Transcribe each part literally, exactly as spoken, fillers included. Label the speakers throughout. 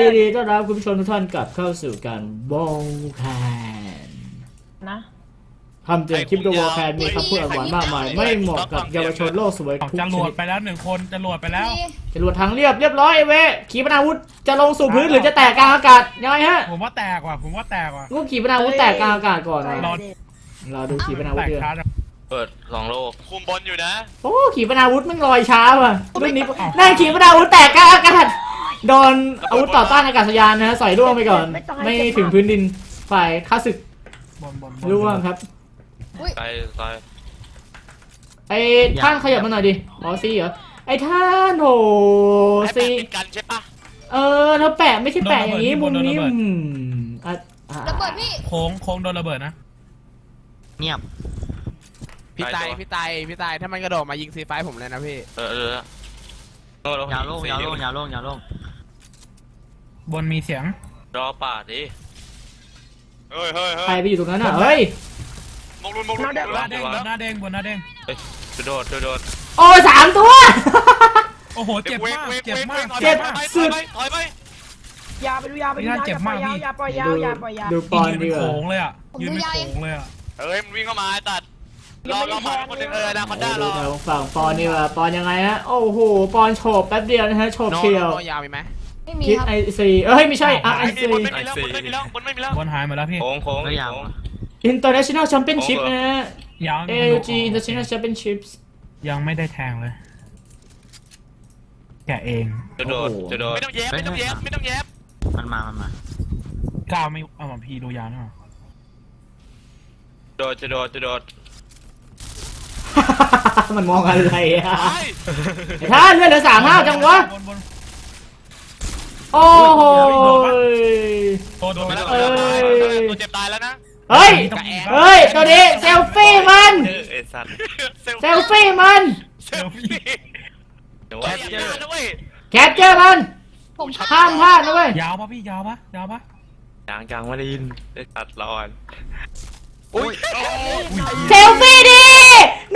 Speaker 1: ยินดีต้อนรับคุณผู้ชมทุกท่านกลับเข้าสู่การบงแคน
Speaker 2: นะ
Speaker 1: คำเตือนคลิปตัววอลแคนมีคำพูดหวานมากมายไม่เหมาะกับเยาวชนโลกสวยทุกช
Speaker 3: จะโหล
Speaker 1: นิ
Speaker 3: ด
Speaker 1: ด
Speaker 3: ไปแล้วหนึ่งคนจะโหลดไปแล้ว
Speaker 1: จรวดทางเรียบเรียบร้อยเว้ขีปนาวุธจะลงสู่พื้นหรือจะแตกกลางอากาศยังไงฮะ
Speaker 3: ผมว่าแตกว่ะผมว่าแตกว่ะ
Speaker 1: กูขีปนาวุธแตกกลางอากาศก่อน
Speaker 3: รอ
Speaker 1: เราดูขีปนาวุ
Speaker 3: แต
Speaker 1: ธ
Speaker 3: ก
Speaker 1: เดือ
Speaker 3: ช้าจัง
Speaker 4: เปิดสองโลกคุมบนอยู่นะ
Speaker 1: โอ้ขีปนาวุธมันลอยช้าว่ะรุ่นนี้นั่นขีปนาวุธแตกกลางอากาศโดนอาวุธต่อต้านอากาศยานนะฮะใส่ร่วงไปก่อน ไม่ถึงพื้นดินฝ่ายข้าศึก
Speaker 3: บนบน
Speaker 1: ร่วงครับ
Speaker 4: ไปไป
Speaker 1: ไอ้ท่านขยับมาหน่อยดิอ๋อซีเหรอไอ้ท่านโห
Speaker 4: ไอ้แป
Speaker 1: ซี
Speaker 4: ดติดกันใช่ปะ
Speaker 1: เออแล้วแปะไม่ใช่แปะอย่างนี้มุมนี้อืมอ่ะอ่ะ
Speaker 5: ระเบิดพี่
Speaker 3: โค้งโค้งโดนระเบิดนะ
Speaker 6: เงียบ
Speaker 7: พี่ตายพี่ตายพี่ตายถ้ามันกระโดดมายิงซีไฟผมเลยนะพี่
Speaker 4: เออเออเออ
Speaker 6: ยาวโล่งยาวโล่งยาวโล่งยาวโล่ง
Speaker 3: บนมีเสียง
Speaker 4: รอป่าดิเฮ้ยเฮ้ยเฮ้
Speaker 1: ใคร
Speaker 4: ย
Speaker 1: ไปอยู่ตรงนั้นอ่ะเฮ้ย
Speaker 4: มงลุนมงลุน
Speaker 3: บนหน้าเด้งบนหน้าเด้งบนหน้าเด้ง
Speaker 4: โดดโดดโดด
Speaker 1: โอ้สามตัว
Speaker 3: โอ้โหเจ็บมากเจ็บมาก
Speaker 1: เจ็บ
Speaker 4: สุดถอยไป
Speaker 2: ยาไปดูยาไปดูยาอย่าปล่อยยาวอย่าปล่อยยาวอย่าปล่อยยาว
Speaker 1: ดูปอน
Speaker 3: ยืน
Speaker 1: ดี
Speaker 3: เป็น
Speaker 1: กว่า
Speaker 3: โค้งเลยอ่ะยืนเป็นโค้งเลยอ่ะ
Speaker 4: เฮ้ยมันวิ่งเข้ามาตัดรอรอมาคนหนึ่งเออนะคอนด้า
Speaker 1: ดู
Speaker 4: รอ
Speaker 1: แถวฝั่งปอนดีกว่าปอนยังไงฮะโอ้โหปอนโฉบแป๊บเดียวนะฮะโฉบ
Speaker 7: โน
Speaker 1: เชียว
Speaker 7: โนยาวมีไหม
Speaker 5: ไม่มี
Speaker 1: คิด
Speaker 5: ครับ
Speaker 1: ไอซีเอ้ยไม่ใช่อ่ะไอ
Speaker 4: ไอ้
Speaker 1: ซี
Speaker 4: บนไม่มีแล้วบนไม่มีแล้วบนไม่มีแล้ว
Speaker 3: บนหายหมดแล้วพี่
Speaker 4: โค้งโค้ง
Speaker 6: ก็ยาว
Speaker 1: International Championship นะฮะ
Speaker 3: ยัง
Speaker 1: เอ ล จี International Championships
Speaker 3: ยังไม่ได้แทงเลย แกเอง
Speaker 4: จะโดดจะโดดไม่ต้องแยบไม่ต้องแยบไม่ต้องแยบ
Speaker 6: มันมา มันมา
Speaker 3: ก้าวไม่เอาหมอพีดูยาหน่อย
Speaker 4: โดดจะโดดจะโดด
Speaker 1: มันมองอะไรอ่ะ
Speaker 4: ไอ้
Speaker 1: ไอ้ท่านเลือดเหลือสามห้าจังวะ
Speaker 3: บนบน
Speaker 1: โอ้โห
Speaker 3: โดนโดน
Speaker 4: มา
Speaker 3: แล้
Speaker 4: แล้ว ว
Speaker 1: เอ้ย
Speaker 4: ตัวเจ็บตายแล้วนะ
Speaker 1: เฮ้ย เฮ้ย ตัวนี้เซลฟี่มัน
Speaker 4: เอสัตว์
Speaker 1: เซลฟี่มัน
Speaker 4: เซลฟี่เดี๋ยวว่าเจอนะเว้ย
Speaker 1: แคปเจอร์มัน
Speaker 5: ผมพลาด
Speaker 1: ห้ามพลาดนะเว้ย
Speaker 3: ยาวปะพี่ยาวปะยาวปะ
Speaker 4: ยางยางไม่ได้ยินได้ตัดรอน
Speaker 6: อุ้ย
Speaker 1: เซลฟี่ดิ โน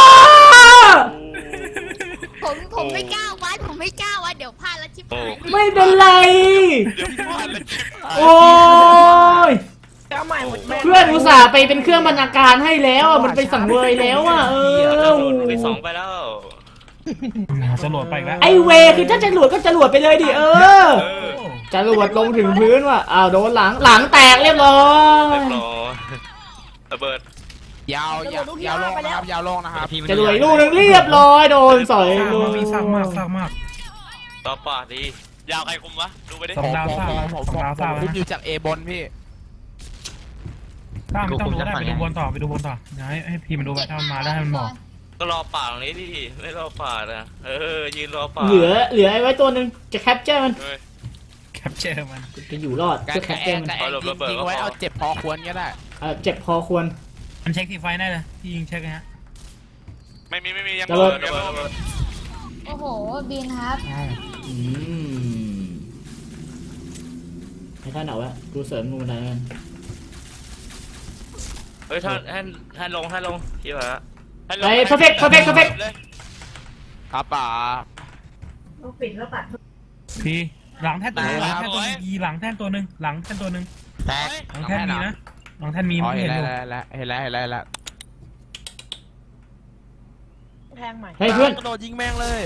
Speaker 5: ผมผมไม่กล้าวัดผมไม่กล้าวัดเดี๋ยวพลาดแล้วชิบหาย
Speaker 1: ไม่เป็นไร
Speaker 4: เดี๋ยวพลาดเลย
Speaker 1: โอ้ย
Speaker 2: เอาใหม่หมดแม่
Speaker 1: เพื่อนอุตส่าห์ไปเป็นเครื่องบรรณาการให้แล้วอ่ะ มันไปสังเวยแล้วอ่ะ เออ
Speaker 4: ไปสองไปแล้ว
Speaker 3: จะโหลดไปอีกแล้ว
Speaker 1: ไอเวคือถ้าจะหลวดก็จะหลวดไปเลยดิ เออ จะหลวดลงถึงพื้นว่ะ อ้าวโดนหลัง หลังแตกเรียบร้อ
Speaker 4: เรี
Speaker 1: ย
Speaker 4: ยบร้อยระเบิด
Speaker 7: ยาวยาวยาวลงนะครับยาวลงนะครับ
Speaker 6: ทีมัน
Speaker 1: จะหลวดอีกลูกหนึงเรียบร้อยโดนสอย
Speaker 3: ซาก
Speaker 1: ลู
Speaker 3: มาก กพี่ซากมากซากมาก
Speaker 4: ต่อป่าดียาวใครคุมวะดูไปดิ
Speaker 3: สองดาวซากนะสองดาวซาก
Speaker 7: ผม
Speaker 3: นะ
Speaker 7: อยู่จากเอบนพี่
Speaker 3: ซากไม่ต้องดูก็ได้ไปดูบนต่อไปดูบนต่อเดี๋ยวให้ให้พีมันดูไปถ้ามันมาได้ให้มันบอก
Speaker 4: ก็รอป่าตรงนี้ดิไม่รอป่านะเออยืนรอป่า
Speaker 1: เหลือเหลือไอ้ไว้ตัวหนึ่งจะแคปเจอร์มัน
Speaker 4: เฮ้ย
Speaker 3: แคปเจอร์มัน
Speaker 1: จะอยู่รอด
Speaker 7: กา
Speaker 1: เพื่
Speaker 7: ร
Speaker 1: อแค
Speaker 7: กระ
Speaker 1: ป
Speaker 7: แอ
Speaker 1: เจอร์มัน
Speaker 7: กระแอยิงไว้เอาเจ็บพอควรก็ได้
Speaker 1: เออเจ็บพอควร
Speaker 3: มันเช็คทีไฟได้เลยที่ยิงเช็คนะฮะ
Speaker 4: ไม่มีไม่มียัง
Speaker 1: ระเบิด
Speaker 4: ระเบิดระเบิด
Speaker 5: โอ้โหบินครับ
Speaker 3: อ้าว
Speaker 1: อืมให้ท่านเอาวะกูเสริมงูได้กัน
Speaker 4: เฮ้ยท่านท่านท่านลงท่านลงที่ว่า
Speaker 1: ไอ้ perfect perfect perfect
Speaker 7: ครับป๋า
Speaker 3: พีหลังแท่นตัวนึงหลังแท่นตัวนึงยีหลังแท่นตัวนึงหลังแท่นตัวนึง
Speaker 6: แตก
Speaker 3: หลังแท่นมีนะหลังแท่นมี
Speaker 7: อ๋อ
Speaker 3: ไม่
Speaker 7: เห็น
Speaker 3: เห็น
Speaker 7: แล้
Speaker 3: อ
Speaker 7: ว
Speaker 3: ยู่
Speaker 7: เห็นแล้วเห็นแล้วเห็นแล้ว
Speaker 2: แทงใหม่
Speaker 1: เฮ้ยเพื่อน
Speaker 7: กระโดดยิงแม่งเลย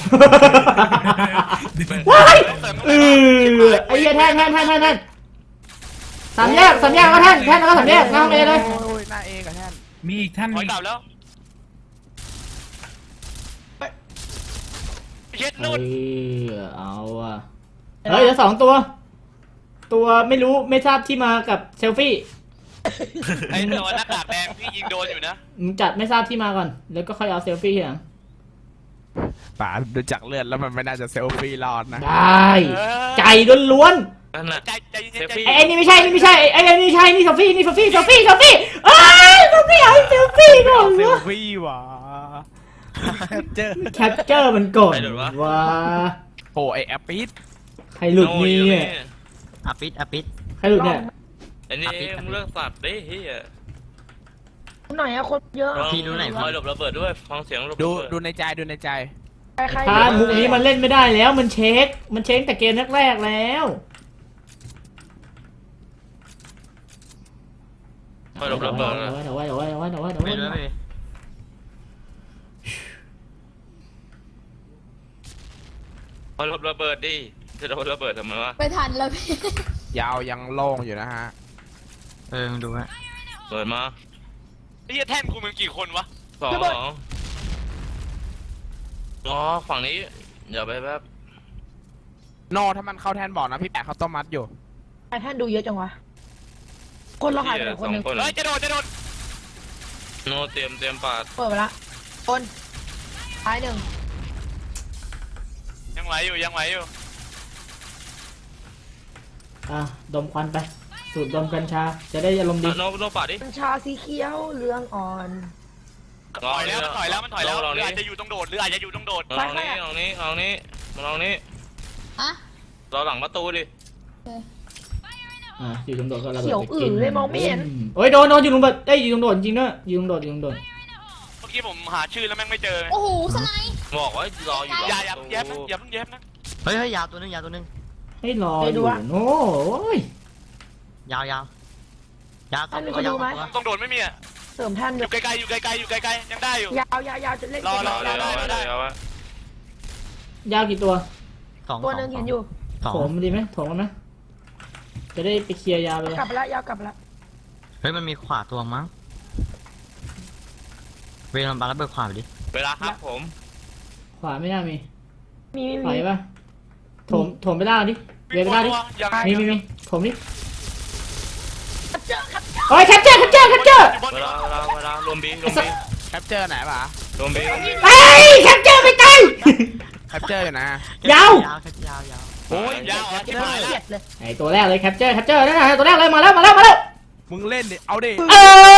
Speaker 1: ว้ายเออไอ้เหี้ยแท่นแท่นแท่นแท่นแท่นสามแยกสามแยกก็แท่นแท่นแล้วก็สามแยกหน้าห้องเอเลย
Speaker 7: โอ้ยหน้าเอกับแท่น
Speaker 3: มีอีกท่าน
Speaker 4: ถอ
Speaker 3: มี
Speaker 4: ยกลับแล้วเย็ด
Speaker 1: เอ
Speaker 4: นุ่น
Speaker 1: อเอาอ่ะเฮ้ยเหลือสองตัว ตัวไม่รู้ไม่ทราบที่มากับเซลฟี่
Speaker 4: ไอ้ตัวหน้ากากแดงพี่ยิงโดนอยู่นะ
Speaker 1: มึงจัดไม่ทราบที่มาก่อน แล้วก็ค่อยเอาเซลฟี่ทีหลัง
Speaker 7: ป๋าดูจากเลือดแล้วมันไม่น่าจะเซลฟี่รอดนะ
Speaker 1: ได้ ใจล้วน
Speaker 4: นั่นน่ะใจใจเย็นใจ
Speaker 1: ๆไอ้ไอ้นี่ไม่ใช่นี่ไม่ใช่ไอ้ไอ้นี่ไม่ใช่นี่เซลฟี่นี่เซลฟี่เซลฟี่เซลฟี่เอ้ยเซลฟี่เอาเซลฟี่ก่อน
Speaker 7: เซล
Speaker 1: วะ
Speaker 7: ฟี่ว่ะเจอ
Speaker 1: แคปเจอร์มันก่อนว่า
Speaker 7: โอ้ไอแอปปิด
Speaker 1: ใครหลุดนี่เนี่ย
Speaker 6: อปิดอปิด
Speaker 1: ใครหลุดเนี่ย
Speaker 4: อันนี้มึงเลิกสัตว์ดิเฮีย
Speaker 2: หน่อยอะคนเยอะ
Speaker 4: คอยหลบระเบิดด้วยฟังเสียงหลบ
Speaker 7: ดู
Speaker 4: ระเบิด
Speaker 7: ดูในใจดูในใจ
Speaker 2: ใคร
Speaker 1: ทานมุกนี้มันเล่นไม่ได้แล้วมันเช็ค มันเช็คแต่เกมแรกๆแล้ว
Speaker 4: คอยหลบระเบิด
Speaker 1: เดี๋ยวไว้เดี๋ยวไว้เดี๋ยวไว้เดี๋ยวไว้เดี๋ยวไว้เดี๋ยว
Speaker 6: ไม่
Speaker 1: ไว้
Speaker 6: รู้ไม่รู้
Speaker 4: คอยหลบระเบิดดิจะโดนระเบิดทำไมวะ
Speaker 5: ไม่ทันแล้วพี่
Speaker 7: ยาวยังโล่งอยู่นะฮะ
Speaker 6: เออมึงดูฮะ
Speaker 4: เปิดมา
Speaker 8: ไอ้เหี้ยแท่นกูมันกี่คนวะ
Speaker 4: สองสองอ๋อฝั่งนี้เดี๋ยวไปแป๊บ
Speaker 7: โนถ้ามันเข้าแทนบอกนะพี่แปะเขาต้มมัดอยู่
Speaker 2: ไอ้ท่านดูเยอะจังวะคนเราหายไปไหนคนหนึง
Speaker 4: สอง
Speaker 8: เฮ้ยจะโดนจะโดน
Speaker 4: โนเตรียมเตรียมปาด
Speaker 2: เปิดไปละคนท้ายหนึ่ง
Speaker 8: ยังไหวอยู่ยังไหวอยู่
Speaker 1: อ่ะดมควันไปสูดดมกัญชาจะได้อารมณ์ดี
Speaker 4: โนโนปาดดิ
Speaker 2: กัญชาสีเขียวเหลืองอ่อน
Speaker 8: ถอยแล้วมันถอยแล้วมันถอยแล้วห
Speaker 4: ลอง
Speaker 8: รือ
Speaker 4: นี้
Speaker 8: อาจจะอยู่ตรงโดดหรืออาจจะอยู่ตรงโดด
Speaker 4: ลองนี้ลองนี้ลองนี้ลองนี้
Speaker 5: อะ
Speaker 4: เราหลังประตูดิ
Speaker 1: อ่ะอยู่ตรงโดดก็ระเบิด
Speaker 2: เขียว
Speaker 1: ไป
Speaker 2: อื่
Speaker 1: กิ
Speaker 2: นเลยมองไม่เห็น
Speaker 1: โอ้ยโดนโดนอยู่ตรงโดดเอ้ยอยู่ตรงโดดจริงด้วยอยู่ตรงโดดอยู่ตรงโดด
Speaker 8: เมื่อกี้ผมหาชื่อแล้วแม่งไม่เจอ
Speaker 5: โอ้โหสไนป์
Speaker 4: บอกว่ารออยู่
Speaker 8: อย่าอย่าแย้มนะอย่าเพิ่งแย้มนะ
Speaker 6: เฮ้ยเฮ้ยยาวตัวนึงยาวตัวนึง
Speaker 1: ให้รออยู่โอ้ย
Speaker 6: ยาวยาวยาวสองตัวยาวสองตัว
Speaker 8: ตรงโดดไม่มีอ่ะ
Speaker 2: เสริมท่าน
Speaker 8: อ
Speaker 2: เดีย
Speaker 8: ยู่ไกลๆอยู่ไกลๆอยู่ไกลๆยังได้อยู่
Speaker 2: ยาวยาวยาวจะเล่น
Speaker 8: รอร
Speaker 4: ร
Speaker 8: อ
Speaker 4: อ
Speaker 8: รอ
Speaker 4: เดี๋ยว
Speaker 8: รอ
Speaker 4: เดี๋ยวเดี๋ยววะ
Speaker 1: ยาวกี่ตัว
Speaker 6: สอง
Speaker 2: ตัวหนึงเห็นอยู่
Speaker 6: สอง
Speaker 1: โถมดีไหมโถมมันไหมจะได้ไปเคลียร์ยาวไปเลย
Speaker 2: กลับไปแล้วยาวกลับไปแล้ว
Speaker 6: เฮ้ยมันมีขวาตัวมั้งเวลาบาร์ระเบิดขวาไปดิ
Speaker 4: เวลาครับผม
Speaker 1: ขวาไม่น่ามี
Speaker 2: มีมี
Speaker 1: ไหว
Speaker 2: มี
Speaker 1: ปะโถมโถมไปล่างดิเวไปล่างดิ
Speaker 8: ยัง
Speaker 1: มีมีมีโถมดิ
Speaker 2: เจอครับ
Speaker 1: โอ้ยแคปเจอร์แคปเจอร์แคปเจอร์
Speaker 4: เวลาเวลาเวลารวมบีรวมบี
Speaker 7: แคปเจอร์ไหนปะ
Speaker 4: รวมบี
Speaker 1: เฮ้ยแคปเจอร์ไปไกล
Speaker 7: แคปเจอร์อยู่นะ
Speaker 1: ยาว
Speaker 6: ยาวแค่ยาวยาว
Speaker 8: โอ้ยยาวอ่ะ
Speaker 2: เจ
Speaker 8: ที่
Speaker 2: อ
Speaker 8: หาย
Speaker 2: เกลี
Speaker 8: แล้
Speaker 2: ยว ดเลย
Speaker 1: ไอตัวแรกเลยแคปเจอร์แคปเจอร์นั่นน่ะตัวแรกเลยมาแล้วมาแล้วมาแล้ว
Speaker 7: มึงเล่นดิเอาดิ
Speaker 1: เอ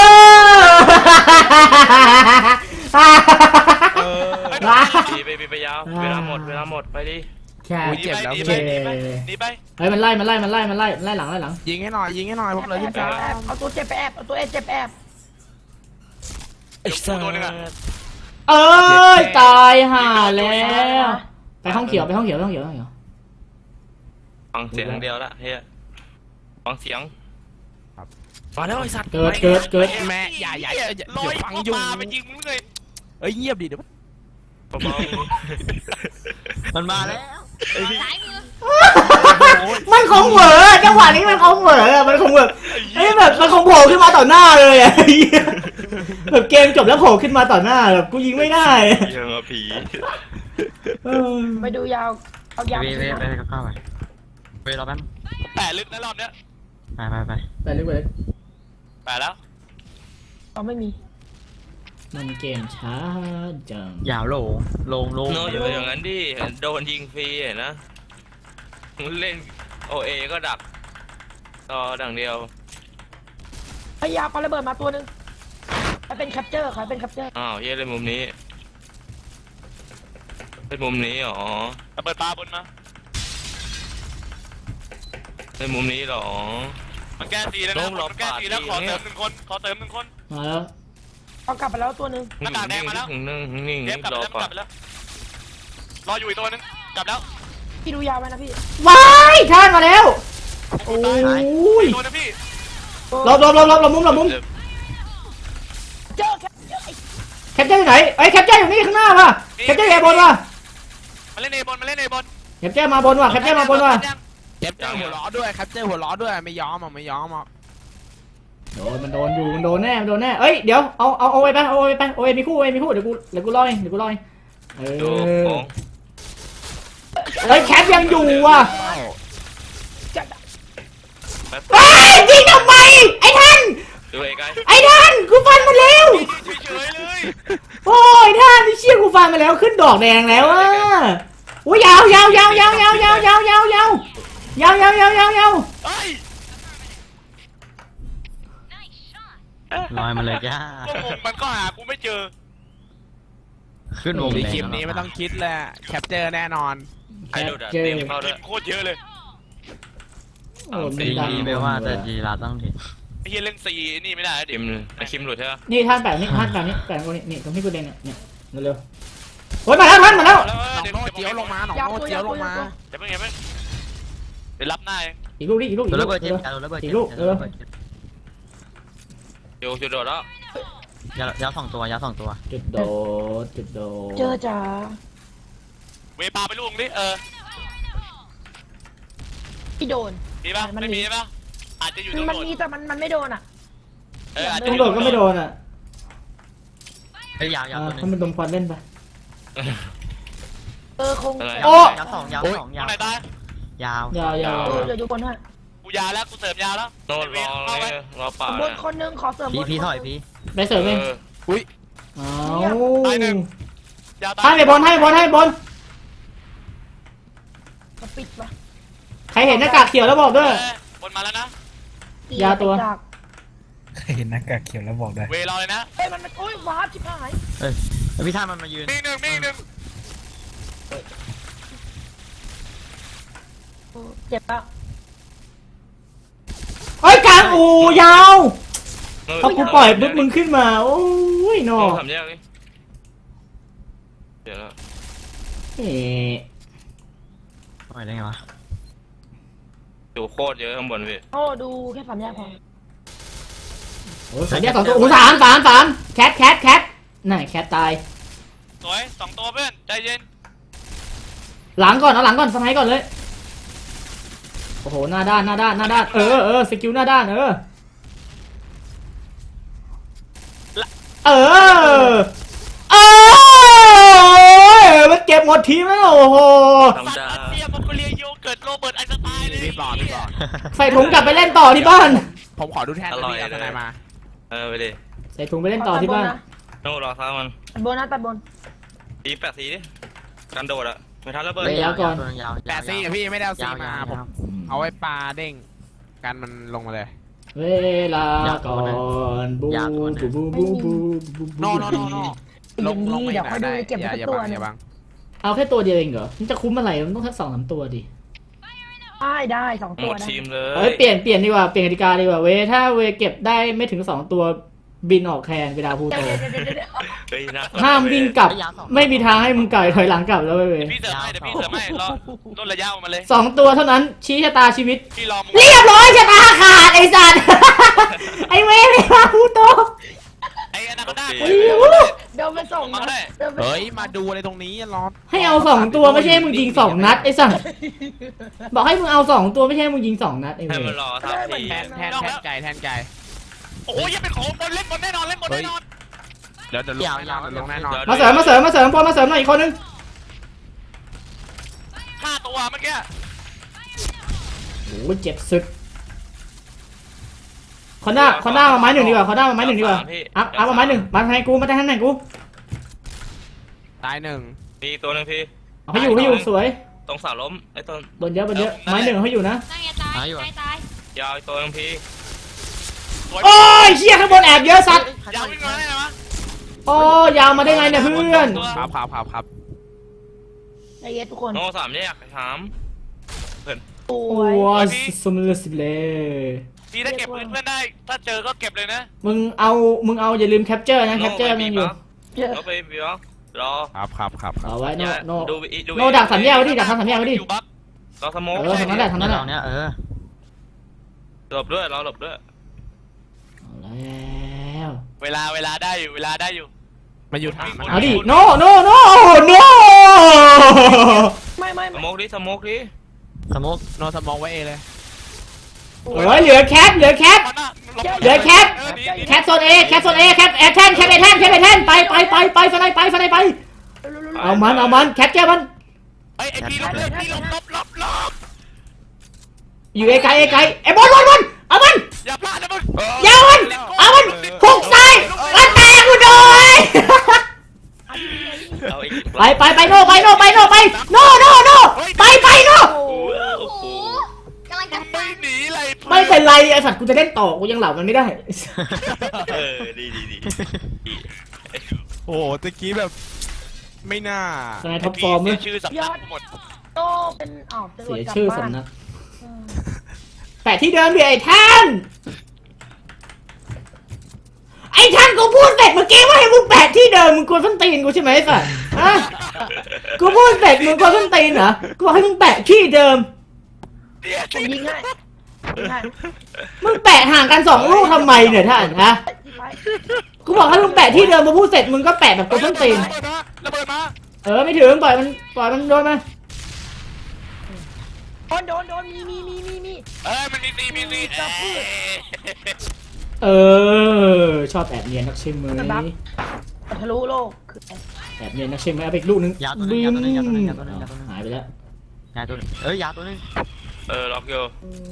Speaker 1: อ
Speaker 7: เออ
Speaker 1: มา
Speaker 4: บีไปบีไปยาวเวลาหมดเวลาหมดไปดิ
Speaker 1: แค่
Speaker 7: อุ๊ยเจ็บแล้ว
Speaker 8: หนี
Speaker 7: พี่
Speaker 8: ไปหนีไปหนีไป
Speaker 1: เฮ้ยมันไล่มันไล่มันไล่มันไล่มันไล่หลังไล่หลัง
Speaker 7: ยิงให้หน่อยยิงให้หน่อยผมเลยขึ้น
Speaker 2: แอ
Speaker 7: ฟ้า
Speaker 2: บแอบเอาตัวเจ็บไปแอบเอาตัวเอเจ็บไปแอบ
Speaker 8: เดี๋ยวกูตัวหนึงอ่ะ
Speaker 1: เอ้ยตายห่าแล้วไปห้องเขียวไปห้องเขียวไปห้องเขียวไปห้องเขียว
Speaker 4: ฟังเสียงเดียวละเฮียฟังเสียงมาแล้วไอสัตว์
Speaker 1: เกิดเกิดเกิด
Speaker 7: แม่อย่าอย่าอย่าอย่า
Speaker 8: ลอย
Speaker 7: ฟัง
Speaker 8: เข้า
Speaker 7: อยู่
Speaker 8: มาไปยิงมึงเลย
Speaker 7: เอ้ยเงียบดิเดี๋ยว
Speaker 4: เบา
Speaker 6: มันมาแล้ว
Speaker 5: ซ้ายมือ
Speaker 1: มันคงเหวอจังหวะนี้มันคงเหวอมันคงแบบเอ้ยแบบมันคงโผล่ขึ้นมาต่อหน้าเลยอะแบบเกมจบแล้วโผล่ขึ้นมาต่อหน้าแบบกูยิงไม่ได้
Speaker 4: ๆยังผี
Speaker 1: เออ
Speaker 2: ไปดูยาวเอายาว
Speaker 6: เวเวไปเข้าไปเวรอแป๊บ
Speaker 8: แปะลึกนะรอบเนี้ย
Speaker 6: ไปไปไป
Speaker 1: ไปเลยไปเลย
Speaker 8: แปะแล้ว
Speaker 2: เอาไม่มี
Speaker 1: มันเกมช้าจัง
Speaker 6: ยาวโลงโลงโลง
Speaker 4: โนอย่าไปอย่างนั้นดิโดนยิงฟรีเห็นนะเล่นโอเอก็ดักต่อดังเดียว
Speaker 2: พยายามปาระเบิดมาตัวหนึงใครเป็นแคปเจอร์ใครเป็นแคปเจอร์
Speaker 4: อ้าวเฮียเล่นมุมนี้เล่นมุมนี้หรอ
Speaker 8: ระเบิดปลาบนมา
Speaker 4: เล่นมุมนี้หรอ
Speaker 8: มันแก้ตีแล้วนะมันแก้ตีแล้วขอเติมหนึ่งคนขอเติมหนึ่งคน
Speaker 1: มาแล้ว
Speaker 2: เอากลับไปแล้วตัวหนึง
Speaker 8: หน้ากากแดงมาแล้ว
Speaker 4: นึ่งนิ่ง
Speaker 8: เดฟกลับ
Speaker 4: รอ
Speaker 8: แล้วก
Speaker 4: ก่อ
Speaker 8: ลั
Speaker 4: น
Speaker 8: บแล้วรออยู่อีกตัวนึงกลับแล้ว
Speaker 2: พี่ดูยาวไว้นะพี่
Speaker 1: ว้ายท่านมาแล้วโอ้ย
Speaker 8: ตัวนะพี่
Speaker 1: หลบหลบหลบหลบหลบมุมหลบมุม
Speaker 2: เจอแคปเจอร์ไอ้
Speaker 1: แคปเจอร์อยู่ไหนไอ้ยแคปเจอร์อยู่นี่ข้างหน้าว่ะแคปเจอร์อยู่บนว่ะ
Speaker 8: มาเล่นเอบอลมาเล่นเอบอล
Speaker 1: แคปเจอร์มาบนว่ะแคปเจอร์มาบนว่ะ
Speaker 7: แคปเจอร์หัวล้อด้วยแคปเจอร์หัวล้อด้วยไม่ยอมอ่ะไม่ยอมอ่ะ
Speaker 1: โดนมันโดนอยู่มันโดนแน่มันโดนแน่เอ้ยเดี๋ยวเอาเอาเอาไว้ไปเอาไว้ไปเอาไว้มีคู่ไว้มีคู่เดี๋ยวกูเดี๋ยวกูรอเองเดี๋ยวกูรอเองเอ
Speaker 4: ดู
Speaker 1: อ
Speaker 4: ของ
Speaker 1: เฮ้ยแคปยังอยู่ว่ะ
Speaker 2: จะ
Speaker 1: เฮ้ยยิงทำไมไอ้ท่าน
Speaker 4: ดูไอ้ไกล
Speaker 1: ไอ้ท่านกูฟันมาแล้ว
Speaker 8: เฉยๆเลย
Speaker 1: โอ้ยท่านนี่เชี่ยกูฟันมาแล้วขึ้นดอกแดงแล้วอ่ะโอ้ยยาวยาวยาวยาวยาวยาวยาวยาวยาวยาวยาวยาวยาวยาว
Speaker 8: เฮ้ย
Speaker 6: ลอยมาเลยจ้า
Speaker 8: พวกผมมันก็หากูไม่เจอ
Speaker 6: ขึ้นวง
Speaker 7: ใน
Speaker 6: แดง
Speaker 7: คลิปนี้ไม่ต้องคิดแหละแคปเจอร์แน่นอน
Speaker 4: ไอ้ดูด
Speaker 1: เจอ
Speaker 4: เต็มเข้าด้
Speaker 8: ที
Speaker 4: วย
Speaker 8: มโคตรเยอะเลย
Speaker 1: โอ้ย
Speaker 6: ดี
Speaker 1: มันดัง
Speaker 6: ดีไม่ว่าแต่จีราต้องถึง
Speaker 8: ไอ้เฮียเล่นซีนี่ไม่ได้ดิ
Speaker 4: คิมไอ้คิมหลุดใช่ไหม
Speaker 1: นี่ท่านแปะนี่ท่านแปะนี่แปะตรงนี้นี่ตรงที่กูเด่นเนี่ยเนี่ยเร็วๆโอ้ยมาแล้วท่านมาแล้ว
Speaker 7: หนองโน่เจียวลงมาหนอง
Speaker 2: ยาว
Speaker 7: โน่
Speaker 2: ตัว
Speaker 7: เจีย
Speaker 2: ยาว ว
Speaker 7: ล
Speaker 2: ตัว
Speaker 7: ง
Speaker 2: ยาว
Speaker 7: มา
Speaker 2: ตัว
Speaker 8: เดี๋ยวเพิ่งเดี๋ยวเพิ่งเดี๋ยวรับหน้าเอง
Speaker 1: อีกลูกดิอีกลูกอี
Speaker 6: โด
Speaker 1: ก
Speaker 6: น
Speaker 1: ลู
Speaker 6: ระ
Speaker 1: ก
Speaker 6: เบิดเจ็บ
Speaker 1: เร็ว
Speaker 6: โดนระเบิด
Speaker 1: อี
Speaker 6: เจ็
Speaker 1: ก
Speaker 6: บ
Speaker 1: ลูกเออ
Speaker 8: เ
Speaker 4: อยู่จุดโดดแล้ว
Speaker 6: ยาวยาวสองตัวยาวสองตัว
Speaker 1: จุดโดดจุดโดด
Speaker 2: เจอจ๋า
Speaker 8: เวปาไปลูกดิเออ
Speaker 2: พี่โดน
Speaker 8: มีปะ
Speaker 2: มัน
Speaker 8: ไม่
Speaker 2: มี
Speaker 8: มีปะอาจจะอยู่ตรง
Speaker 2: มัน
Speaker 8: โดด
Speaker 2: มีแต่มันมันไม่โดนอ่ะ
Speaker 8: เอออาจ
Speaker 1: ต
Speaker 8: จะ
Speaker 1: รง
Speaker 8: อยู่
Speaker 1: โดดก็ไม่โดนอ่ะ
Speaker 6: เฮ้ยยาวยาว
Speaker 1: อ่า
Speaker 6: ตัวหนึ
Speaker 1: ให้
Speaker 6: ง
Speaker 1: มันดมควันเล่นไป
Speaker 2: เออคง
Speaker 4: อะไร
Speaker 1: โอ้
Speaker 6: ยาวสองยาวสอง
Speaker 8: ตร
Speaker 6: ยาว
Speaker 8: งไหนตาย
Speaker 6: ยาวย
Speaker 1: าวยาว
Speaker 2: เออเดี๋ยวดูคนให้
Speaker 8: กูยาแล้วกูเสริมยาแล้ว
Speaker 4: โน่นรอเลยรอป่า
Speaker 2: บนคนนึงขอเสริม
Speaker 6: พี่
Speaker 2: บน
Speaker 6: พี่
Speaker 2: คน
Speaker 6: ถอยพี่
Speaker 1: ไปเสริมเอง
Speaker 4: เออ
Speaker 7: อุ้ย
Speaker 1: เอา
Speaker 8: ตายหนึ่งยาตาย
Speaker 1: ให้ไปบอลให้ไปบอลให้ไปบอล
Speaker 2: เขาปิดปะ
Speaker 1: ใครเห็นหน้ากากเขียวแล้วบอกด้วย
Speaker 8: เออบนมาแล้วนะ
Speaker 1: ยาตัว
Speaker 2: ปิดดัก
Speaker 3: เคยเห็นหน้ากากเขียวแล้วบอกได้
Speaker 8: เวรอเลยนะ
Speaker 2: เฮ้ยมันมันโอ้ยว้าบชิบหาย
Speaker 6: เอ้ยแล้วพี่ท่ามันมายืน
Speaker 8: มีหนึ่งมีหนึ่ง
Speaker 2: เออเจ็บปะ
Speaker 1: เฮ้ยกลางอูยาว
Speaker 4: โน่น
Speaker 1: พอกูปล่อยปุ๊บมึงขึ้นมา โอ้ยนอ
Speaker 4: โน่นทำแยกดิเดี๋ยวนะ
Speaker 1: เอ๊ะ
Speaker 6: ปล่อยได้ไงวะ
Speaker 4: อยู่โคตรเยอะข้างบนพี่
Speaker 2: โอ้ดูแค่สามแยกพอ
Speaker 1: โอ้ยสามแยกสองตัวโอ้สามสามสามแคทแคทแคทน่ะแคทตาย
Speaker 8: สวยสองตัวเพื่อนใจเย็น
Speaker 1: หลังก่อนเอาหลังก่อนสไนด์ก่อนเลย โอ้โหหน้าด้านหน้าด้านหน้าด้านเออเออสกิลหน้าด้านเออเออเออมันเก็บหมดทีมแล้วโอ้โห
Speaker 4: ธรรม
Speaker 8: สัต
Speaker 4: ดา
Speaker 8: ว์รัสเซียมองโกเลียโยเกิร์ตโรเบิร์ตไอน์สไตน์เลย
Speaker 7: พี่บอลพี่บอล
Speaker 1: ใส่ถุงกลับไปเล่นต่อที่บ้าน
Speaker 7: ผมขอดูแทนนะพี่เอาทนายมา
Speaker 4: เออไปดิ
Speaker 1: ใส่ถุงไปเล่นต่อที่บ้าน
Speaker 4: โน่นรอซ้ามัน
Speaker 2: ตัดบนนะตัดบน
Speaker 4: ตีแปดสีดิกันโดดอะไม่ทันระเบิด
Speaker 1: เฮ้ย
Speaker 6: ยาวยาวตัวหนึงยาว
Speaker 7: แปดซี่อะพี่ไม่ได้เอาซี
Speaker 6: ยาว
Speaker 7: มา
Speaker 6: ยาว
Speaker 7: ผม
Speaker 6: ยาว
Speaker 7: เอาไว้ปลาเด้งกันมันลงมาเลย
Speaker 1: เวลาก่อนบูบูบูบูบูบู
Speaker 7: โนโนโนโนลงลงไม่
Speaker 2: เดี๋ยวเขาดู
Speaker 7: ได้
Speaker 2: เก็บ
Speaker 7: อย่า
Speaker 2: สัก
Speaker 7: อย่า
Speaker 2: ตัว
Speaker 7: บัง
Speaker 2: หนึ
Speaker 7: อง ย่าบัง
Speaker 1: เอาแค่ตัวเดียวเองเหรอมันจะคุ้มอะไรมันต้องทั้งสองสามตัวดิ
Speaker 2: ได้ได้สอง
Speaker 4: ห
Speaker 2: ตั
Speaker 4: ม
Speaker 2: ว
Speaker 4: ด
Speaker 2: นะ
Speaker 4: ทีมเล
Speaker 1: เอ้
Speaker 4: ย
Speaker 1: ยเปลี่ยนเปลี่ยนดีกว่าเปลี่ยนกติกาดีกว่าเวถ้าเวเก็บได้ไม่ถึงสองตัวบินออกแคนเวลาพูโต
Speaker 2: เดี๋ยวเดี๋ยวเดี๋ยวเดี๋ยว
Speaker 4: เฮ้ยนะ
Speaker 1: ห้ามวิ่งกลับ ไม่มีทางให้มึงไก่ถอยหลังกลับแล้วเว้ย
Speaker 8: เดี๋ยวพี่เสริมให้เดี๋ยวพี่เสริมให้รอลดระยะออกมาเลย
Speaker 1: สองตัวเท่านั้นชี้ชะตาชีวิต
Speaker 8: พี่รอมึง
Speaker 1: เรียบร้อยชะตาขาดไอ้สัตว์ ไอ้เวเวลาพูโต
Speaker 8: ไอ้อนาคอนด้า
Speaker 1: โอ้โห
Speaker 2: เดี๋ยวไปส่งนะเดี๋ยวไป
Speaker 7: เฮ้ยมาดูอะไรตรงนี้รอ
Speaker 1: ให้เอาสองตัวไม่ใช่ให้มึงยิงสองนัดไอ้สัตว์บอกให้มึงเอาสองตัวไม่ใช่ให้มึงยิงสองนัดไอ้เว
Speaker 4: ให้มันรอทับที
Speaker 7: แทนแทนแทนไก่แทนไก่
Speaker 8: โอ้ยยังเป็นของบนเล่นบนแน่นอนเล่นบนแน่นอน
Speaker 7: เดี๋ยวเดี๋ยวลงแน่นอนเดี๋ยวลงแน่นอน
Speaker 1: มาเสริมมาเสริมมาเสริมบอลมาเสริมหน่อยอีกคนนึง
Speaker 8: ห้าตัวเมื่อกี้
Speaker 1: โอ้ยเจ็บสุดคอนด้าคอนด้ามาไม้หนึ่งดีกว่าคอนด้ามาไม้หนึ่งดีกว่าอัพอัพมาไม้หนึ่งมาให้กูมาได้ให้ไหนกู
Speaker 7: ตายหนึ่ง
Speaker 4: มีตัวหนึงพี่
Speaker 1: เอาให้อยู่ให้อยู่สวย
Speaker 4: ตรงเสาล้มไอ้ต้น
Speaker 1: บนเยอะบนเยอะไม้หนึ่งเอาให้อยู่นะ
Speaker 5: นั่งไงตายตายตาย
Speaker 4: ยาวอีกตัวหนึงพี่
Speaker 1: โอ้ยเชี่ยข้างบนแอบเยอะสัตว์
Speaker 8: ยาววิ่งมาได้ไหมวะ
Speaker 1: โอ้ยาวมาได้ไงเนี่ยเพื่อน
Speaker 7: ครับครับครับครับ
Speaker 2: ใจเย็นทุกคน
Speaker 4: โน่สามแยกถาม
Speaker 2: ส
Speaker 1: โอ้
Speaker 2: วย
Speaker 1: ยสมเลสิเลย
Speaker 8: พี่ถ้าเก็บปืนเพื่อนได้ ถ้าเจอก็เก็บเลยนะ
Speaker 1: มึงเอามึงเอาอย่าลืมแคปเจอร์นะแคปเจอร์มันอยู่
Speaker 2: เยอะ
Speaker 4: โน่ไปบีบรอ
Speaker 7: ครับครับครับครับ
Speaker 1: เอาไว้โนโน
Speaker 4: ดูอีดู
Speaker 1: โนดักสามแยกไว้ดิดักทางสามแยกไว้ดิ
Speaker 8: อยู่บัฟ
Speaker 4: รอสโมก
Speaker 1: เออทางนั้นแหละทางนั้นแหละ
Speaker 6: เราเนี้ยเออ
Speaker 4: หลบด้วยรอหลบด้วย
Speaker 1: เอาแล้ว
Speaker 8: เวลาเวลาได้อยู่เวลาได้อยู่
Speaker 7: มาอยู่ทางมัน
Speaker 1: เอาดิโนโนโนโน
Speaker 2: ไม่ไม่
Speaker 4: ส
Speaker 2: ไม่
Speaker 4: โมกดิสโมกดิ
Speaker 6: สโมก
Speaker 7: โนสมองไว้เอเลย
Speaker 1: โอ้ยเหลือแคปเหลือแคป เหลือแคป แคปโซนเอแคปโซนเอแคปแอทแทนแคปแอทแทนแคปแอทแทนไปไปไปไปสไลด์ไปสไลด์ไปเอามันเอามันแคปแก้มัน
Speaker 8: ไอ้ไอ้พี่ลบเลยพี่ลบลบลบลบ
Speaker 1: อยู่ไกลไกลไกลไอ้บอลบอลบอลเอามัน
Speaker 8: อย่าพลาดนะมึง
Speaker 1: ยาวมันเอามันพุกซ้ายมันแตกกูโดย
Speaker 4: เอาอีก
Speaker 1: ไปไปไปโนไปโนไปโนไปโนโนโนไปไปโน
Speaker 5: โอ้โหกำลังจะ
Speaker 8: ไม่หนีเลย
Speaker 1: ไม่เป็นไรไอ้สัตว์กูจะเล่นต่อกูยังเหล่ามันไม่ได้
Speaker 4: เออดีดีดี
Speaker 7: โอ้โหตะกี้แบบ ไม่น่า
Speaker 1: สไนท็อปฟอร์ม
Speaker 8: เสี
Speaker 1: เลย ย
Speaker 8: ชื่อสำนักหมด
Speaker 2: โตเป็นอ้าวจะโด
Speaker 1: เสี
Speaker 2: น
Speaker 1: ย
Speaker 2: กลับ
Speaker 1: ชื่อ
Speaker 2: บ้าน
Speaker 1: สำนัก
Speaker 2: เออ
Speaker 1: แปะที่เดิมดิไอ้ท่านไอ้ท่านกูพูดเสร็จเมื่อกี้ว่าให้มึงแปะที่เดิมมึงกวนส้นตีนกูใช่ไหมไอ้สัตว์ฮะกูพูดเสร็จมึงกวนส้นตีนเหรอกูบอกให้มึงแปะที่เดิม
Speaker 2: ผมยิงให้ยิงให้
Speaker 1: มึงแปะห่างกันสองลูกทำไมเนี่ยท่านฮะ
Speaker 2: ไปซ้าย
Speaker 1: กูบอกให้มึงแปะที่เดิมมาพูดเสร็จมึงก็แปะแบบตัวต้นตีน
Speaker 8: ระเบิดมาระเบิดมา
Speaker 1: เออไม่ถึงปล่อยมันปล่อยมันโดนมา
Speaker 2: โดนโดนโดนมีมีมีมีมี
Speaker 8: เอ้ยมันมีตีมีตีเอ้ย
Speaker 1: เออชอบแอบเนียนนักใช่ไหม
Speaker 2: ทะลุโลกคือ
Speaker 1: แอบเนียนนักใช่ไหมเอาไปอีกลูกนึง
Speaker 6: ยาวตัวนึงยาวตัวนึงยาวตัวนึงยาวตัวนึงยาวตัวนึง
Speaker 1: หายไปแล้ว
Speaker 6: ยาวตัวนึงเอ้ยยาวตัวนึง
Speaker 4: เออล็อกอยู่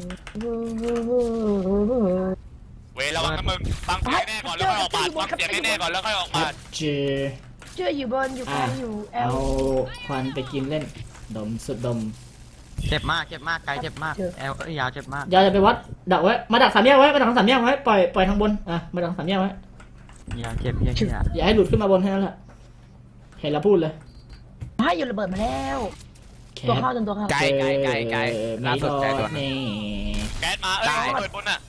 Speaker 8: เว้ยระวังนะมึงฟังเสียงแน่ก่อนแล้วค่อยออกปาดฟังเสียงแน่ก่อนแล้วค่อยออก
Speaker 1: ครั
Speaker 8: ปา
Speaker 1: บ
Speaker 8: ด
Speaker 1: เจ
Speaker 2: เชื่ออยู่บนอยู่ก
Speaker 1: อ่ะ
Speaker 2: ลางอยู่แอ
Speaker 1: เอา
Speaker 2: ล
Speaker 1: ควันไปกินเล่นดมสุดดม
Speaker 6: เจ็บมากเจ็บมากไกลเจ็บมากแอลเอ้ยยาวเจ็บมาก
Speaker 1: อย่าจะไปวัดดักไว้มาดักสามแยกไว้มาดักสามแยกไว้ปล่อยปล่อยทางบนอ่ะมาดักสามแยกไว้
Speaker 6: ยาวเจ็บเหี้ยเหี้ย
Speaker 1: อย่าให้หลุดขึ้นมาบนแค่นั้นแหละเห็นแล้วพูดเลย
Speaker 2: ให้อยู่ระเบิดมาแล้ว
Speaker 1: แค
Speaker 2: ตัว
Speaker 1: ป
Speaker 2: เข้าจนตัวเข้า
Speaker 7: ไกลไกลไกลไกล
Speaker 1: เออ
Speaker 7: ล่า
Speaker 1: ไม่
Speaker 7: สุ
Speaker 1: ร
Speaker 7: ด
Speaker 1: อ
Speaker 7: ไกลตัว
Speaker 1: ด
Speaker 7: นึง
Speaker 1: นี่
Speaker 8: แก๊สมาเอ้ยระเบิดบนอ่ะ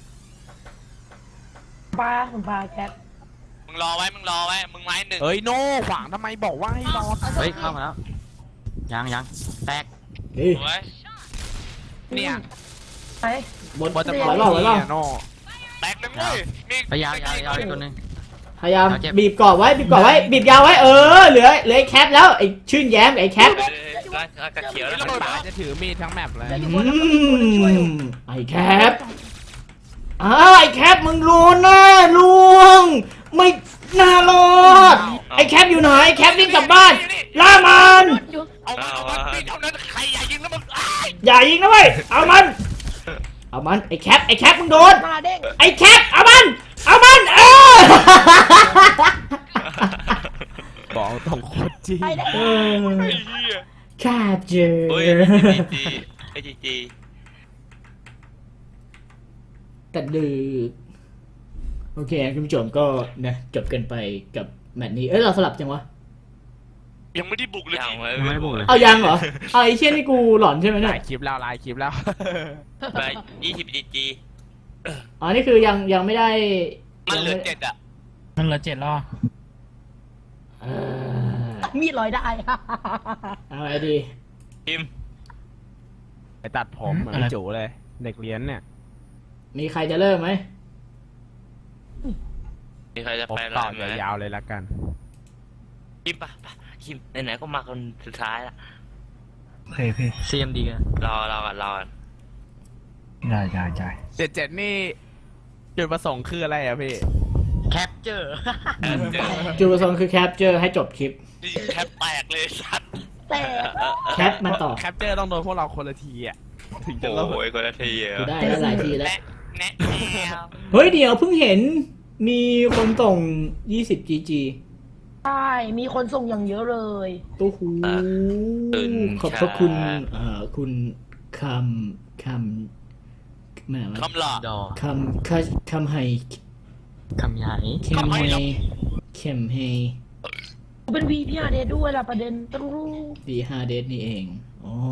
Speaker 2: ปลาผมปลาแก๊ส
Speaker 8: มึงรอไว้มึงรอไว้มึงไม้หนึ่ง
Speaker 7: เอ้ยโน่ขวางทำไมบอกว่าให้รอ
Speaker 6: เฮ้ยเข้ามาแล้วยังยังแตก
Speaker 1: เฮ้ย
Speaker 8: ไว้
Speaker 7: เนี่ย
Speaker 2: ไป
Speaker 1: บน
Speaker 7: บอลจะ
Speaker 1: ไหวเปล่าไหวเปล่า
Speaker 7: โน่
Speaker 8: แตกหนึ่งเว้ยมี
Speaker 6: ไปยาวยาวยาวอีกตัวนึง
Speaker 1: พยายาม
Speaker 6: เอาเจ็บ
Speaker 1: บีบกรอบไว้บีบกรอบไว้บีบยาวไว้เออเหลือเหลือไอ้แคปแล้วไอ้ชื่นแย้มไอ้แคป
Speaker 4: กระเขียวแล้ว
Speaker 7: มันป่าจะถือมีดทั้งแมปเลย
Speaker 1: อืมไอ้แคปอ้าวไอ้แคปมึงรู้นะลวงไม่น่ารอดไอ้แคปอยู่ไหนไอ้แคปวิ่งกลับบ้านล่ามัน
Speaker 8: เอามันเอามันมีเท่านั้นใครอย่ายิงนะมึงอ้าย
Speaker 1: อย่ายิงนะเว้ยเอามันเอามันไอ้แคปไอ้แคปมึงโดน
Speaker 2: มาเด้ง
Speaker 1: ไอ้แคปเอามันเอามันเออ
Speaker 7: บอกตรงโคตรจริง
Speaker 2: ไปได้
Speaker 1: เออ
Speaker 8: ไอ้เหี้ย
Speaker 1: แคปเจอ
Speaker 4: เฮ้ยจีจีไอจีจี
Speaker 1: แต่ดึกโอเคคุณผู้ชมก็นะจบกันไปกับแมตช์นี้เอ้ยเราสลับจังวะ
Speaker 8: ยังไม่ได้บุกเลย
Speaker 4: ยัง
Speaker 8: ดิ
Speaker 4: ไม่
Speaker 6: ยังไม่ได้บุกเลย
Speaker 1: เอายังเหรอเอาไอ้เชี่ยนี่กูหลอนใช่ไหม
Speaker 7: ห
Speaker 1: เนี่
Speaker 7: ลาย ยคลิปแล้วหลายคลิปแล้ว
Speaker 4: ไปยี่สิบจีจี
Speaker 1: อ๋อนี่คือยังยังไม่ได้
Speaker 8: มันเหลือ
Speaker 1: ยังไม่
Speaker 8: เจ็ดอ่ะ
Speaker 3: มันเหลือเจ็ดรอ
Speaker 1: เออ
Speaker 2: มีดลอยได้
Speaker 1: เอาไงดี
Speaker 4: พิม
Speaker 7: ไปตัดผมเหมือนพี่จูเลย เด็กเรียนเนี่ย
Speaker 1: มีใครจะเริ่มไหม
Speaker 4: มีใครจะ
Speaker 7: ผม
Speaker 4: ไป
Speaker 7: ต่อ
Speaker 4: ไหม
Speaker 7: ยาวๆเลยละกัน
Speaker 4: คิมปะปะคิมไหนๆก็มาคนสุดท้ายละ
Speaker 3: โอเคพี่
Speaker 6: ซีเอ็มดีกัน
Speaker 4: รอรอกันรอกัน
Speaker 3: ได้ได้ได้
Speaker 7: เจ็ดเจ็ดนี่จุดประสงค์คืออะไรอะพี่
Speaker 6: แคปเจอร์
Speaker 4: เออเจอ
Speaker 1: จุดประสงค์คือแคปเจอร์ให้จบคลิป
Speaker 8: นี่แคปแตกเลยสัตว์
Speaker 2: แต่
Speaker 1: แคปมาต่อ
Speaker 7: แคปเจอร์ต้องโดนพวกเราคนละทีอะถึงจะเลิก
Speaker 4: โอ้ยคนละทีเหร
Speaker 1: กู
Speaker 4: อ
Speaker 1: ได้แล้วหลายทีแล้ว
Speaker 8: แนะแนะแนว
Speaker 1: เฮ้ยเดี๋ยวเพิ่งเห็นมีคนส่ง ยี่สิบ จี จี
Speaker 2: ใช่มีคนส่งอย่างเยอะเลย
Speaker 1: ตู้หูขอบพระคุณเอ่อคุณคำคำแม่วะ
Speaker 8: คำหล่า
Speaker 6: ดอ
Speaker 1: คำคำคำไฮ
Speaker 6: คำใหญ่
Speaker 1: เคมไฮเคมไฮ
Speaker 2: เป็นวีพีอาร์เดด้วยล่ะประเด็นต้องรู้
Speaker 1: ดีฮาเดสนี่เองอ๋อ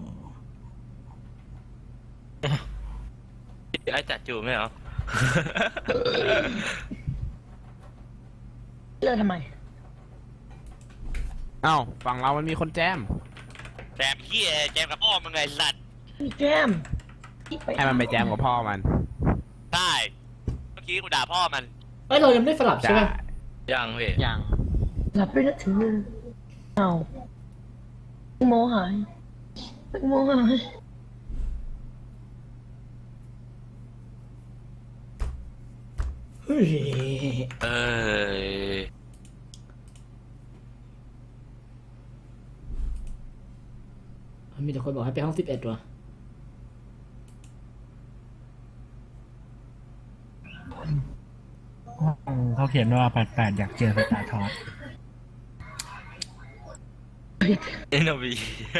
Speaker 4: ไอ้จัดจูไม่เหรอ
Speaker 2: เลิกทำไม
Speaker 7: เอ้าฝั่งเรามันมีคนแจม
Speaker 8: แจมเหี้ยแจมกับพ่อมึงไงสัตว์
Speaker 2: มีแก้ม
Speaker 7: ให้มันไปแจมกับพ่อมัน
Speaker 8: ได้เมื่อกี้กูด่าพ่อมัน
Speaker 1: เอ้ยเรายังไม่ได้สลับใช่ไหม
Speaker 4: ยังพี่
Speaker 6: ยัง
Speaker 2: หลับไปนะถือเอาโมหายโมหาย
Speaker 1: เฮ้ย
Speaker 4: เอ้ย
Speaker 1: มีแต่คนบอกให้ไปห้องสิบเอ็ดว่ะ
Speaker 3: เขาเขียนว่าแปดแปดอยากเจอสตาร์ทอส
Speaker 4: เอ็นบี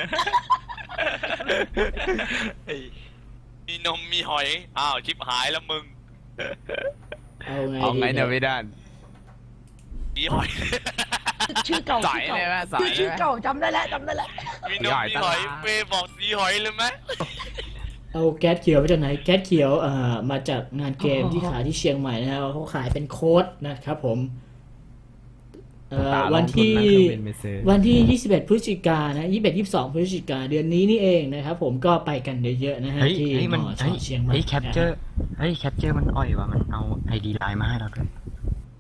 Speaker 8: มีนมมีหอยอ้าวชิบหายแล้วมึง
Speaker 1: เอาไง
Speaker 7: เอาไง
Speaker 1: ดี
Speaker 7: เนี่ยไม่ได้
Speaker 8: มีหอย
Speaker 2: ชื่อเก่า
Speaker 7: สายเลยไหมสายเลยไหม
Speaker 2: ชื่อเก่าจำได้แล้วจำได้แล้ว
Speaker 8: มีนมมีหอยเฟย์บอกสีหอยเลยไหม
Speaker 1: เอาแก๊สเขียวมาจากไหนแก๊สเขียวเอ่อมาจากงานเกมที่ขายที่เชียงใหม่นะครับเขาขายเป็นโค้ดนะครับผมเอ่อ
Speaker 7: ตาลง
Speaker 1: วันที่
Speaker 7: ทุนนั่งเครื่องบินไปซื้อ
Speaker 1: วันที่ ยี่สิบเอ็ด พฤศจิกายนนะยี่สิบเอ็ด ยี่สิบสอง พฤศจิกายนเดือนนี้นี่เองนะครับผมก็ไปกันเยอะๆนะฮะ
Speaker 6: เฮ้ย
Speaker 1: ที่
Speaker 6: เฮ้ย
Speaker 1: ม
Speaker 6: มัน
Speaker 1: อช
Speaker 6: เฮ้ย
Speaker 1: เชียงใหม่
Speaker 6: เฮ้ยแคปเจอร์เฮ้ยแคปเจอร์มันอ่อยว่ะมันเอาไอดีไลน์มาให้เราด้วย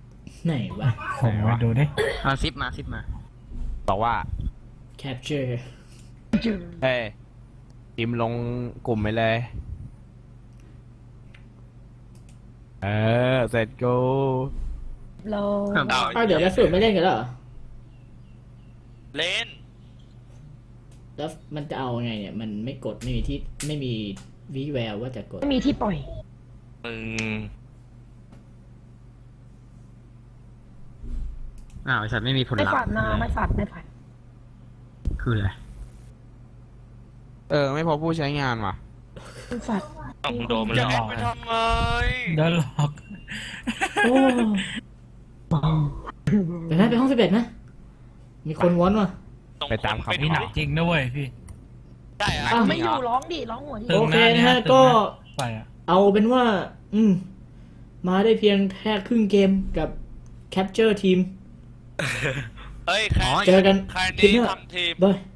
Speaker 1: ไหนวะ
Speaker 3: ไหนวะดูดิ
Speaker 6: มาซิปมาซิปมา
Speaker 7: บอกว่า
Speaker 1: capture
Speaker 7: เฮ้ยพิมพ์ลงกลุ่มไปเลย เออ เสร็จกู
Speaker 2: เรา
Speaker 1: อ้าวเดี๋ยวแล้วสุดไม่เล่นกันแล้วเหรอ
Speaker 4: เล่น
Speaker 1: แล้วมันจะเอาไงเนี่ยมันไม่กดไม่มีที่ไม่มีวิแววว่าจะกด
Speaker 2: ไม่มีที่ปล่อย
Speaker 4: มึง
Speaker 6: อ้าวไอ้สัตว์ไม่มีผล
Speaker 2: ไม่
Speaker 6: ลัพ
Speaker 2: ฝัด
Speaker 6: ธ์
Speaker 2: นะไม่ฝัดไม่ฝัด
Speaker 6: คืออะไร
Speaker 7: เออ ไม่พบผู้ใช้งานว่ะ
Speaker 2: ไม่ฝัด
Speaker 4: เอ้ามึงโดนมัน
Speaker 3: จะ
Speaker 4: แล้ว
Speaker 3: หลอก
Speaker 8: ไป
Speaker 3: อะ
Speaker 8: ทำไม
Speaker 3: โดนหลอก
Speaker 1: โอ้ไปนะไปห้องสิบเอ็ดนะ มีคนวอนว่ะ
Speaker 8: ส่ง
Speaker 7: ไปตาม
Speaker 8: คน
Speaker 7: คำ
Speaker 8: ไป
Speaker 3: นี่
Speaker 8: ดู
Speaker 3: หนักจริงนะเว้ยพี่
Speaker 8: ได้อะ
Speaker 1: อ้าว
Speaker 2: ไม่อยู่ร้องดิร้องหัวดิ
Speaker 3: ตึง
Speaker 1: โอเค
Speaker 3: หน้า
Speaker 1: นะฮะ
Speaker 3: ตึง
Speaker 1: ก็
Speaker 3: ไปอ่ะ
Speaker 1: เอาเป็นว่า อืม มาได้เพียงแค่ครึ่งเกมกับ capture team
Speaker 8: เฮ้ยใคร
Speaker 1: เจอกัน
Speaker 8: ใคร
Speaker 1: คลิป
Speaker 8: นี้
Speaker 1: หน้า
Speaker 8: ทำทีม
Speaker 1: บาย